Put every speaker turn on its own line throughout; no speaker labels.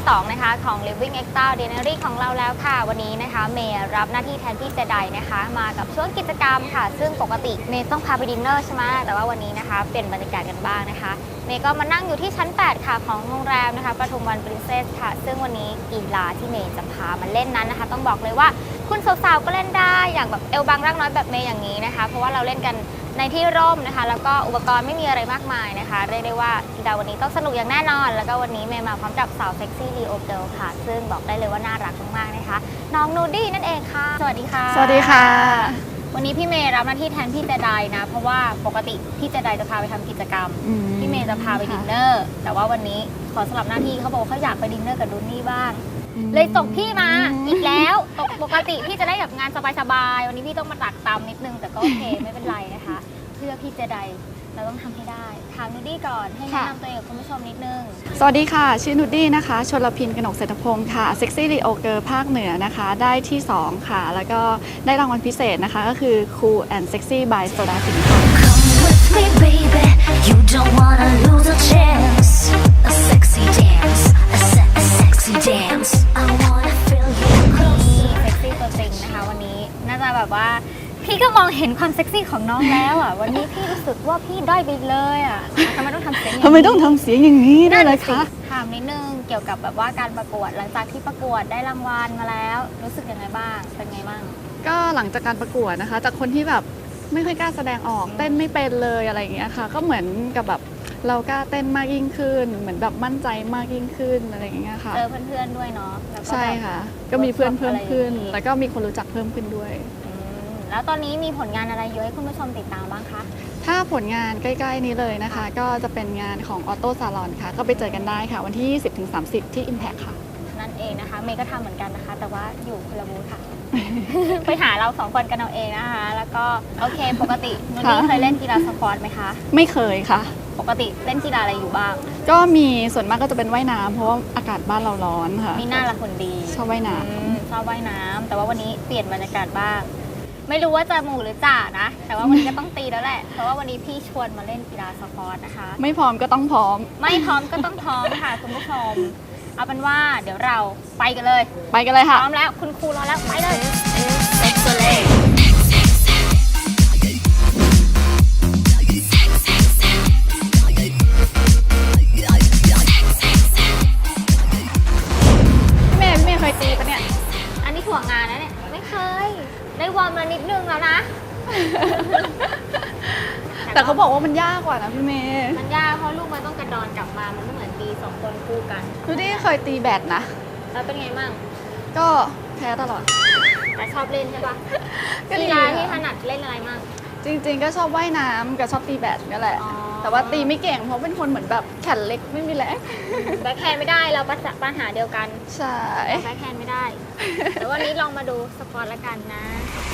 2นะคะของ Living Extraordinary ของเราแล้วค่ะวันนี้นะคะเมย์รับหน้าที่แทนพี่เจไดนะคะมากับช่วงกิจกรรมค่ะซึ่งปกติเมย์ต้องพาไปดินเนอร์ใช่ไหมแต่ว่าวันนี้นะคะเปลี่ยนบรรยากาศกันบ้างนะคะเมย์ก็มานั่งอยู่ที่ชั้น 8 ค่ะของโรงแรมนะคะปทุมวันปรินเซสค่ะซึ่งวันนี้กีฬาที่เมย์จะพามาเล่นนั้นนะคะต้องบอกเลยว่าคุณสาวๆก็เล่นได้อย่างแบบเอวบางร่างน้อยแบบเมย์อย่างนี้นะคะเพราะว่าเราเล่นกันในที่ร่มนะคะแล้วก็อุปกรณ์ไม่มีอะไรมากมายนะคะเรียกได้ว่ากีฬาวันนี้ต้องสนุกอย่างแน่นอนแล้วก็วันนี้เมย์มาพร้อมกับสาวเซ็กซี่ลีโอเกิลค่ะซึ่งบอกได้เลยว่าน่ารักมากๆนะคะน้องนูดี้นั่นเองค่ะสวัสดีค่ะ
สวัสดีค่ะ
วันนี้พี่เมย์รับหน้าที่แทนพี่เจไดนะเพราะว่าปกติพี่เจไดจะพาไปทำกิจกรรมพี่เมย์จะพาไปดินเนอร์แต่ว่าวันนี้ขอสลับหน้าที่เขาบอกว่าเขาอยากไปดินเนอร์กับดูนี่บ้างเลยส่งพี่มาอีกแล้วปกติพี่จะได้แบบงานสบายๆวันนี้พี่ต้องมาตักตำนิดนึงแต่ก็โอเคไม่เป็นไรนะคะเพื่อพี่เจไดเราต้องทำให้ได้ถามนูดี้ก่อนให้แนะนำตัวเองกับคุณผู้ชมนิดนึง
สวัสดีค่ะชื่อนูดี้นะคะชลพินกนกเศรษฐพงศ์ค่ะเซ็กซี่ลีโอเกิร์ลภาคเหนือนะคะได้ที่2ค่ะแล้วก็ได้รางวัลพิเศษนะคะก็คือ Cool and Sexy by Soda Pink ค่ะ
Come with me baby you don't wanna lose a chance a sexy dance a sexy dance I wanna feel you
นี่เซ็กซี่ตัวจริงนะคะวันนี้น่าจะแบบว่าพี่ก็มองเห็นความเซ็กซี่ของน้องแล้วอ่ะวันนี้พี่รู้สึกว่าพี่ด้อยไปเลยอ่ะทำไมต้องทำเสียงอย่างนี้
ทำไมต้องทำเสียงอย่างนี้ด้วยล่ะคะ
ถามนิดนึงเกี่ยวกับแบบว่าการประกวดหลังจากที่ประกวดได้รางวัลมาแล้วรู้สึกยังไงบ้างเป็นไงบ้าง
ก็หลังจากการประกวดนะคะจากคนที่แบบไม่ค่อยกล้าแสดงออกเต้นไม่เป็นเลยอะไรอย่างเงี้ยค่ะก็เหมือนกับแบบเรากล้าเต้นมากยิ่งขึ้นเหมือนแบบมั่นใจมากยิ่งขึ้นอะไรอย่างเงี้ยค่ะ
เจอเพื่อนๆด้วยเนาะ
ใช่ค่ะก็มีเพื่อนเพิ่มขึ้นแล้วก็มีคนรู้จักเพิ่มขึ้นด้วย
แล้วตอนนี้มีผลงานอะไรเยอะให้คุณผู้ชมติดตามบ้างคะ
ถ้าผลงานใกล้ๆนี้เลยนะคะก็จะเป็นงานของ Auto Salon ค่ะก็ไปเจอกันได้ค่ะวันที่ 20-30 ที่ Impact ค่ะ
นั่นเองนะคะเมย์ก็ทำเหมือนกันนะคะแต่ว่าอยู่คนละบูธค่ะ ไปหาเรา2คนกันเอาเองนะคะแล้วก็โอเคปกตินูดี้เคยเล่นกีฬาสปอร์ตไหมคะ
ไม่เคยค่ะ
ปกติเล่นกีฬาอะไรอยู่บ้าง
ก็มีส่วนมากก็จะเป็นว่ายน้ำเพราะว่าอากาศบ้านเราร้อนค่ะ
มีหน้าละคนดี
ชอบว่ายน้
ำชอบว่ายน้ำแต่ว่าวันนี้เปลี่ยนบรรยากาศบ้างไม่รู้ว่าจะหมู่หรือจ่านะแต่ว่าวันนี้ก็ต้องตีแล้วแหละเพราะว่าวันนี้พี่ชวนมาเล่นกีฬาสปอร์ตนะคะ
ไม่พร้อมก็ต้องพร้อม
ไม่พร้อมก็ต้องพร้อมค่ะคุณผู้ชมเอาเป็นว่าเดี๋ยวเราไปกันเลย
ค่ะ
พร้อมแล้วคุณครูรอแล้วไปเลย
พี่เมย์เคยตีปะเนี่ย
อันนี้ถ่วงงานนะเนี่ยไม่เคยได้วอร์มมานิดนึงแล้วนะ
แต่เขาบอกว่ามันยากกว่านะพี่เมย์
มันยากเพราะลูกมันต้องกระดอนกลับมามันไม่เหมือนตี2คนคู่กัน
ดูดิเคยตีแบดนะ
แล้วเป็นไงมั่ง
ก็แพ้ตลอด
แต่ชอบเล่นใช่ปะกีฬาที่ถนัดเล่นอะไรมั่ง
จริงๆก็ชอบว่ายน้ำกับชอบตีแบดนี่แหละแต่ว่าตีไม่เก่งเพราะเป็นคนเหมือนแบบแขนเล็กไม่มีแรง
แบ็คแฮนด์ไม่ได้เราปัญหาเดียวกัน
ใช่
แบ็คแฮนด์ไม่ได้แต่วันนี้ลองมาดูสปอร์ตละกันนะ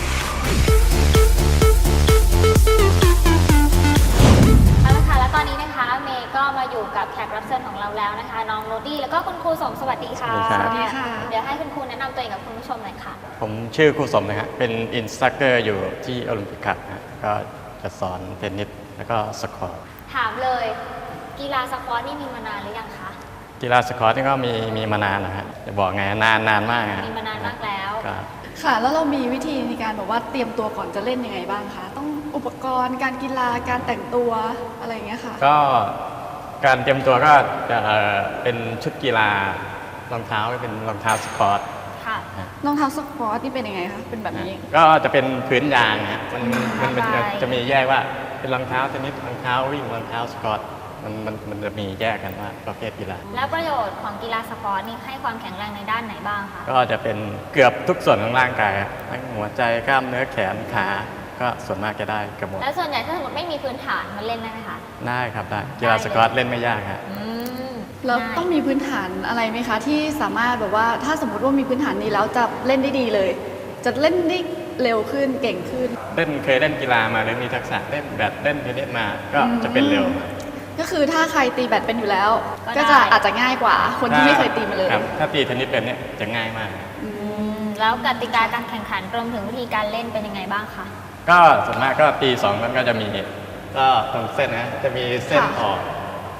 เอาละค่ะแล้วตอนนี้นะคะเมย์ก็มาอยู่กับแขกรับเชิญของเราแล้วนะคะน้องโรดี้แล้วก็คุณครูสมสวัสดีค่ะ
สวัสดี
ค่ะ
เดี๋ยวให้คุณครูแนะนำตัวเองกับคุณผู้ชมหน่อยค่ะ
ผมชื่อครูสมนะครับเป็นอินสตรัคเตอร์อยู่ที่โอลิมปิกครับก็จะสอนเทนนิสแล้วก็สควอต
ถามเลยกีฬาสควอตนี่มีมานานหรือยังคะ
กีฬาสควอตนี่ก็มีมานานนะฮะจะบอกไงนานมาก
มีมานานมากแล้ว
ค่ะแล้วเรามีวิธีในการแบบว่าเตรียมตัวก่อนจะเล่นยังไงบ้างคะต้องอุปกรณ์การกีฬาการแต่งตัวอะไรอย่างเงี้ยค่ะ
ก็การเตรียมตัวก็จะเป็นชุดกีฬารองเท้าเป็นรองเท้าสควอต
รองเท้าสควอตนี่เป็นยังไงคะเป็นแบบนี้
ก็จะเป็นพื้นยางฮะมันจะมีแยกว่าเป็นรองเท้าเทนนิสรองเท้าวิ่งรองเท้าสควอตมันจะมีแยกกันว่าประเภทกีฬา
แล้วประโยชน์ของกีฬาสปอร์ตนี่ให้ความแข็งแรงในด้านไหนบ้างคะ
ก็จะเป็นเกือบทุกส่วนของร่างกายทั้งหัวใจกล้ามเนื้อแขนขาก็ส่วนมากจะได้กระหมด
แล้วส่วนใหญ่ถ้าสมมติไม่มีพื้นฐานมันเล่นได้ไหมคะ
ได้ครับได้กีฬาสควอตเล่นไม่ยากครับ
เราต้องมีพื้นฐานอะไรไหมคะที่สามารถแบบว่าถ้าสมมติว่ามีพื้นฐานนี้แล้วจะเล่นได้ดีเลยจะเล่นได้เร็วขึ้นเก่งขึ้น
เคยเล่นกีฬามาหรือมีทักษะเล่นแบดเล่นเทนนิสมาก็จะเป็นเร็ว
ก็คือถ้าใครตีแบดเป็นอยู่แล้วก็จะอาจจะง่ายกว่าคนที่ไม่เคยตีมาเลย
ถ้าตีเทนนิสเป็นเนี่ยจะง่ายมาก
แล้วกติกาการแข่งขันรวมถึงวิธีการเล่นเป็นยังไงบ้างคะ
ก็ส่วนมากก็ตี2มันก็จะมีก็ตรงเส้นนะจะมีเส้นออก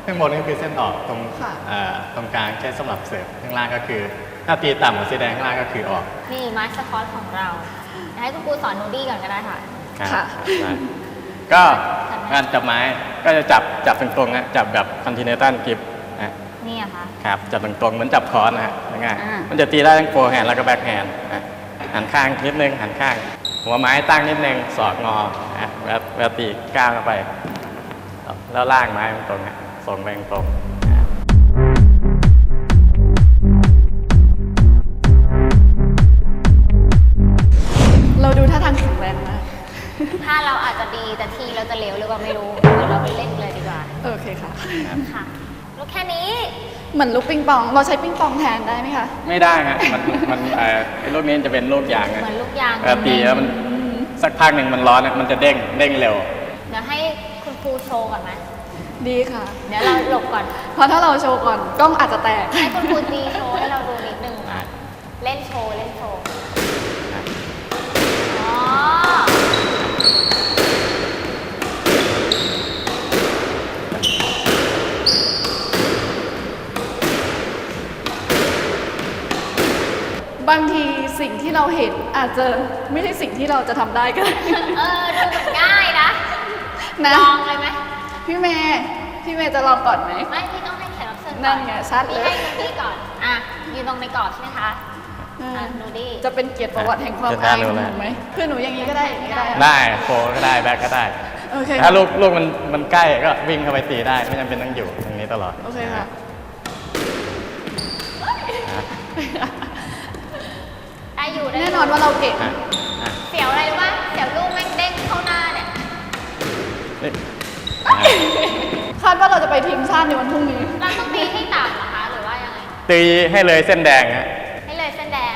ข้างบนก็คือเส้นออกตรง
ค่ะ
ตรงกลางใช้สำหรับเสิร์ฟข้างล่างก็คือ ถ้าตีต่ำกว่าสีแดงข้างล่างก็คือออก
นี่ไม้สควอตของเราเดี๋ยวให้คุณครูสอนนูดี้ก่อนก็ได้ค่ะ
ครับ
ค่ะ
ครับก็การจับไม้ก็จะจับตรงๆนะจับแบบคอนติเนตัลกิฟนะ
นี่อะคะ
ครับจับตรงๆเหมือนจับคอนนะฮะง่าย
อ่า
ๆมันจะตีได้ทั้งโฟร์แฮนด์แล้วก็แบ็คแฮนด์นะหันข้างนิดนึงหันข้าง หัวไม้ตั้งนิดนึงศอกงอนะแล้วตีก้าวเข้าไป แล้วล่างไม้มันตรงนะส่งไปตรงๆนะ
เราดูท่าทางแข็งแรงมาก
ถ้าเราอาจจะดีแต่ทีเราจะเหลวหรือเปล่าไม่รู้เดี๋ยวเราไปเล่นเลยดีกว่า
โอเคค่ะ
ค่ะลูกแค่นี้
เหมือนลูกปิงปอง เราใช้ปิงปองแทนได้ไหมคะ
ไม่ได้ฮะมันไอ้ลูกนี้จะเป็นลูกยางนะ
เหมือนลูกยาง
ตีแล้วมันสักพักหนึ่งมันร้อนนะมันจะเด้งเร็ว
เดี๋ยวให้คุณครูโชว์ก่อนไหม
ดีค่ะ
เดี๋ยวเราหลบก่อน
เพราะถ้าเราโชว์ก่อนกล้องอาจจะแตก
ให้คุณครูตีโชว์ให้เราดูนิดนึงค่ะเล่นโชว์อ๋อ
บางทีสิ่งที่เราเห็นอาจจะไม่ใช่สิ่งที่เราจะทำได้ก็ได้
ดูเหมือนง่ายนะ
นะ
ลองเลยไหม
พี่เมย์จะลองก่อนไหม
ไม่พี่ต้องให้แขกรับเชิญก่อ
นั่นไงชัดเลย
พี่ให้นูดี้ก่อนอ่ะยืนตรงในกรอบใช่ไหมคะนูดี้
จะเป็นเกียรติประวัติแห่งความอายของหนูไหมคือหนูอย่างนี้ก็ได้อย่างนี้ก็ได้
ๆได้โฟร์ก็ได้แบ็คก็ได้
โอเค
ถ้าลูกมันใกล้ก็วิ่งเข้าไปตีได้ไม่จำเป็นต้องอยู่ตรงนี้ตลอด
โอเคค่ะ
ได้อยู่ได้
แน่นอนว่าเราเก่ง
อ่ะอ่ะ
เสียวอะไรรู้ป่ะเสียวลูกแม่งเด้งเข้าหน้าเนี่ย
นี่
คาดว่าเราจะไปทีมชาติในวันพรุ่งนี้
เราต้องตีให้ต่ำเหรอคะหรือว่ายังไง
ตีให้เลยเส้นแดงฮะ
ให้เลยเส้นแดง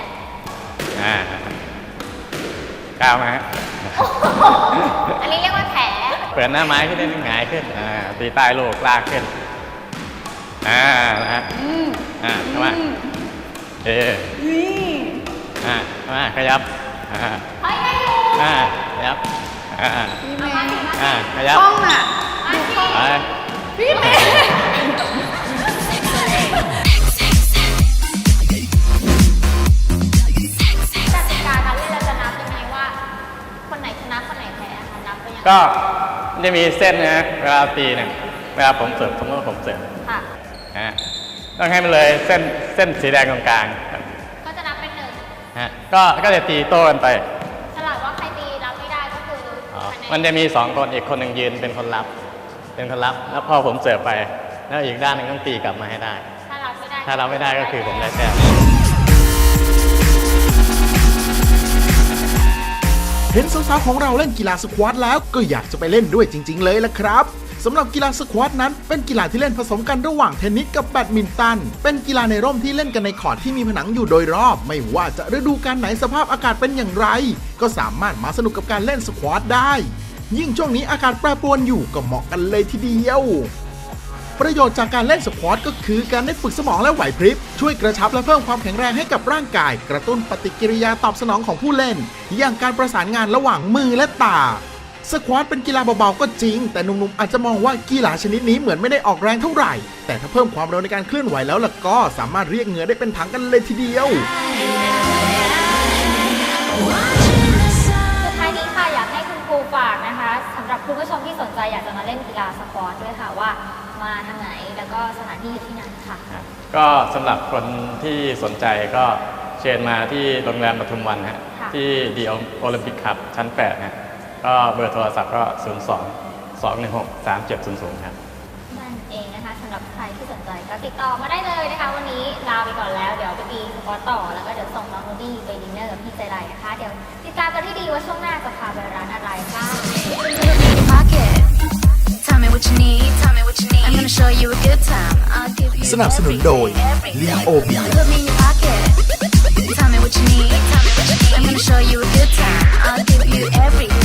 ก้าวมาฮะ
อันนี้เรียกว่าแผล
เปิดหน้าไม้ขึ้นได้หงายขึ้นตีใต้ลูกลากขึ้นนะฮะเข้ามา
นี่
เข้ามาขยับ
เฮ้ยได้อยู่
ขยับ
พี่เมย์
ขยับ
ห้องน่ะ
มาสิ
ไป
พี่เมย์
กติกาการเล่นเราจะนับยังไงว่า คนไหนชนะคนไหนแพ้คะนับเป็นยังไง
ก็จะมีเส้นนะฮะเวลาตีเนี่ยเวลาผมเสิร์ฟสมมติว่าผมเสิร์ฟ
ค่ะ
ต้องให้มันเลยเส้นสีแดงตรงกลาง
ก็จะนับเป็นหนึ่ง
ก็จะตีโต้กันไป
สลับว่าใครตีรับไม่ได้ก็คือคะแนน
มันจะมี2คนอีกคนหนึ่งยืนเป็นคนรับ แล้วพอผมเสิร์ฟไป แล้วอีกด้านหนึงต้องตีกลับมาให้ได้
ถ้ารับไม่ได้
ถ้ารับไม่ได้ก็คือผมได้แต้ม
เห็นสาวๆของเราเล่นกีฬาสควอตแล้วก็อยากจะไปเล่นด้วยจริงๆเลยล่ะครับสำหรับกีฬาสควอตนั้นเป็นกีฬาที่เล่นผสมกันระหว่างเทนนิสกับแบดมินตันเป็นกีฬาในร่มที่เล่นกันในคอร์ตที่มีผนังอยู่โดยรอบ ไม่ว่าจะฤดูกาลไหนสภาพอากาศเป็นอย่างไร ก็สามารถมาสนุกกับการเล่นสควอตได้ ยิ่งช่วงนี้อากาศแปรปรวนอยู่ก็เหมาะกันเลยทีเดียวประโยชน์จากการเล่นสควอตก็คือการได้ฝึกสมองและไหวพริบช่วยกระชับและเพิ่มความแข็งแรงให้กับร่างกาย กระตุ้นปฏิกิริยาตอบสนองของผู้เล่น อย่างการประสานงานระหว่างมือและตาสควอตเป็นกีฬาเบาๆก็จริงแต่หนุ่มๆอาจจะมองว่ากีฬาชนิดนี้เหมือนไม่ได้ออกแรงเท่าไหร่แต่ถ้าเพิ่มความเร็วในการเคลื่อนไหวแล้วล่ะก็สามารถเรียกเหงื่อได้เป็นถังกันเลยทีเดียว
สุดท้ายนี้ค่ะอยากให้คุณครูฝากนะคะสำหรับคุณผู้ชมที่สนใจอยากจะมาเล่นกีฬาสควอตด้วยค่ะว่ามาทางไหนแล้วก็สถานที่อยู่ที่ไหนค่ะ
ก็สำหรับคนที่สนใจก็เชิญมาที่โรงแรมปทุมวันฮะ
ค่ะ
ที่ดีโอลิมปิกคับชั้น8ฮะก็เบอร์โทรศัพท์ก็ 02-216-3700 ครับ
นั่นเองนะคะสำหรับใครที่สนใจก็ติดต่อมาได้เลยนะคะ วันนี้ลาไปก่อนแล้วเดี๋ยวไปตีสควอตต่อแล้วก็เดี๋ยวส่งน้องนูดี้ไปดินเนอร์กับพี่ใจไรนะคะ เดี๋ยวติดตามกันที่ดีว่าช่วงหน้าจะพาไปร้านอะไรค่ะ
Pocket. Tell me what you need. Tell me what you need. I'm gonna show you a good time. I'll give you
สนับสนุนโดย
everything.
Leo Beer
Put me in your pocket. Tell me what you need. Tell me what you need. I'm gonna show you a good time. I'll give you everything.